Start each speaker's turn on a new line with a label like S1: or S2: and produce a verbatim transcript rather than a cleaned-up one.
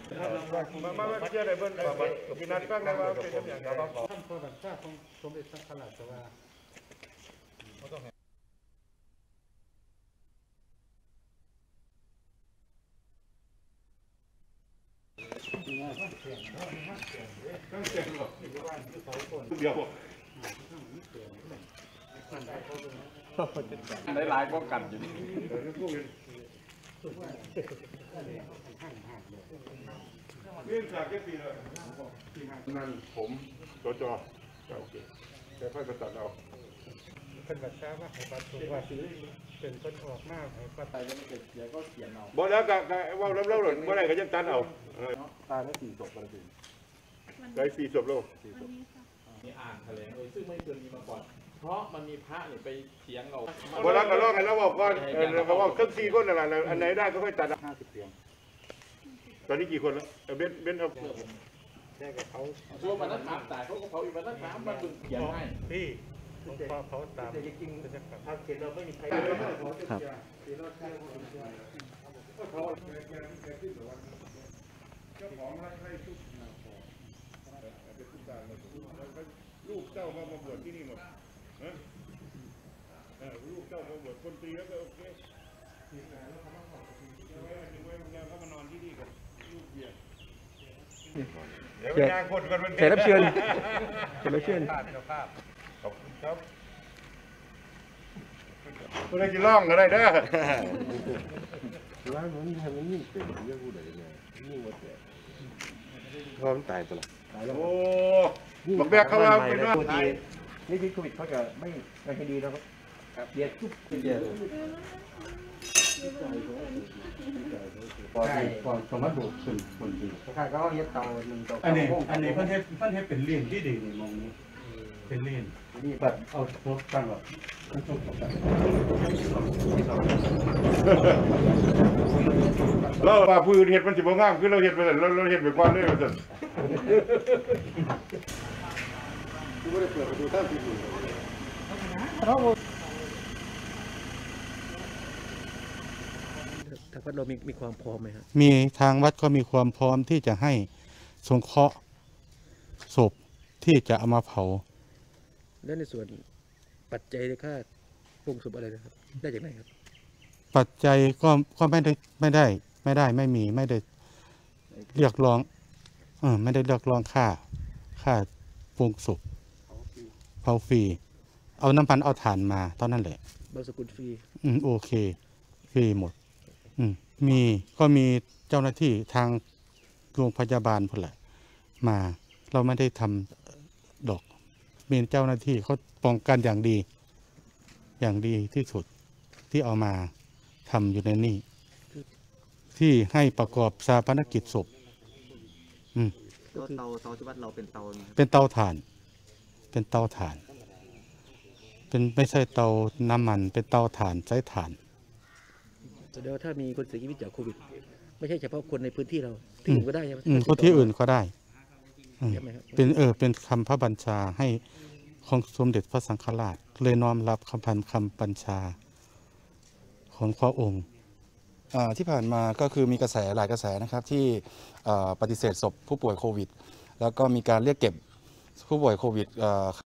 S1: มามาเชื่อได้เบิ้ลกินนัดบ้างนะว่าเป็นอย่างไร
S2: ท่านพระบัญชาของสมเด็จสังฆราชว่า
S1: เดี๋ยวได้หลายก็กันอยู่เรื่องจากแค่ปีละนั่นผมจจโอเคแต่ค่อยไปตัดเอา
S2: เป็นบัตรช้ามากให้บัตรถูกว่าเป็นคนออกมากให้บัตรตายจะไม่เกิดเสียก็เขียนเอา
S1: บอกแล้วก็ว่าแล้วแล้วหล่นเมื่อไรก็ยังตัดเอา
S3: ตายแล้วสี่ศพกันเลย
S1: ได้สี่ศพแล้ว
S3: นี่อ่านแถลงเลยซึ่งไม่เคยมีมาก่อนเพราะมันมีพระเนี่ยไปเถียงเรา
S1: พอแล้วก็ลอกกันแล้วบอกว่าเขาว่าเครื่องซีคนอะไรอันไหนได้ก็ค่อยตัด
S3: ห้าสิบเตียง
S1: ตอนนี้กี่คนแล้วเบนเบนเอา
S2: แค่กับเขา
S3: ตัวมันนั้นถามตายเขาก็เผาอีกมันนั้นถามมันดึงเขียนให้
S2: พี่ต้องพอเขาตามจริงๆถ้าเขียนเราไม่มีใครครับ
S1: เจ้าของให้ให้ทุกลูกเจ้ามาบวชที่นี่หมดลูกเจ้ามาบวชคนตีแล้วก็โอเคเขามานอนที่นี่กับลูกเบียร์เดี๋ยวงานคนกันมัน
S4: แขกรับเชิญแขกรับเชิญ
S1: ขอบคุณครับคุณได้จะล่องอะไรเด้อ
S4: ร้านมันทำมันยิ่งเป็นเรื่องพูดอะไรเนี่ยยิ่งหมดเลยพอมันตายตัวละ
S1: โอ้บอกแบกเขาว่าเป็นว่า
S4: นี่ที่โควิดเขาจะไม่ไม่ให้ดีนะครับเดียดทุกเดียดพอพอสมมติบุกขึ้นคนดีถ้าเขาเย็ดเตาหนึ่งเตา
S2: อันนี้อันนี้เพิ่นเฮ็ดเพิ่นเฮ็ดเป็นเลี้ยงที่ดีในมองนี้เป็นเลี้ยง
S4: นี่แบบเอาพวกตั้งแบบ
S1: เราว่าผู้อื่นเห็ดมันสิบ่งามคือเราเห็ดไปแต่เราเราเห็ดไปก่อนเลยว่าซั่น
S4: คือบ่ได้เปิดประตูตั้งที่สุดทางวัดเรามีมีความพร้อมไหมครับ
S2: มีทางวัดก็มีความพร้อมที่จะให้สงเคราะห์ศพที่จะเอามาเผา
S4: และในส่วนปัจจัยในค่าปรุงศพอะไรนะครับได้จากไหนครับ
S2: ปัจจัยก็ก็ไม่ได้ไม่ได้ไม่ได้ไม่มีไม่ได้เรียกร้องเออไม่ได้เรียกร้องค่าค่าปรุงศพเผาฟรีเอาน้ำมันเอาถ่านมาเท่านั้นแหละ
S4: บางสกุลฟรี
S2: อืมโอเคฟรีหมดอืมมีก็มีเจ้าหน้าที่ทางโรงพยาบาลพอแหละมาเราไม่ได้ทำดอกมีเจ้าหน้าที่เขาป้องกันอย่างดีอย่างดีที่สุดที่เอามาทำอยู่ในนี่ที่ให้ประกอบชาปนกิจศพอืม
S4: เตาเตาที่วัดเราเป็นเตา
S2: เป็นเตาถ่านเป็นเตาถ่านเป็นไม่ใช่เตาน้ำมันเป็นเตาถ่านใช้ถ่าน
S4: แสดงว่าถ้ามีคนเสียชีวิตจากโควิดไม่ใช่เฉพาะคนในพื้นที่เราที่อื่นก็ได้ใช่ไหม
S2: คนที่อื่นก็ได้เป็นเออเป็นคำพระบัญชาให้ของสมเด็จพระสังฆราชเลยน้อมรับคำพันคำบัญชาของพระองค์
S5: ที่ผ่านมาก็คือมีกระแสหลายกระแสนะครับที่ปฏิเสธศพผู้ป่วยโควิดแล้วก็มีการเรียกเก็บผู้ป่วยโควิด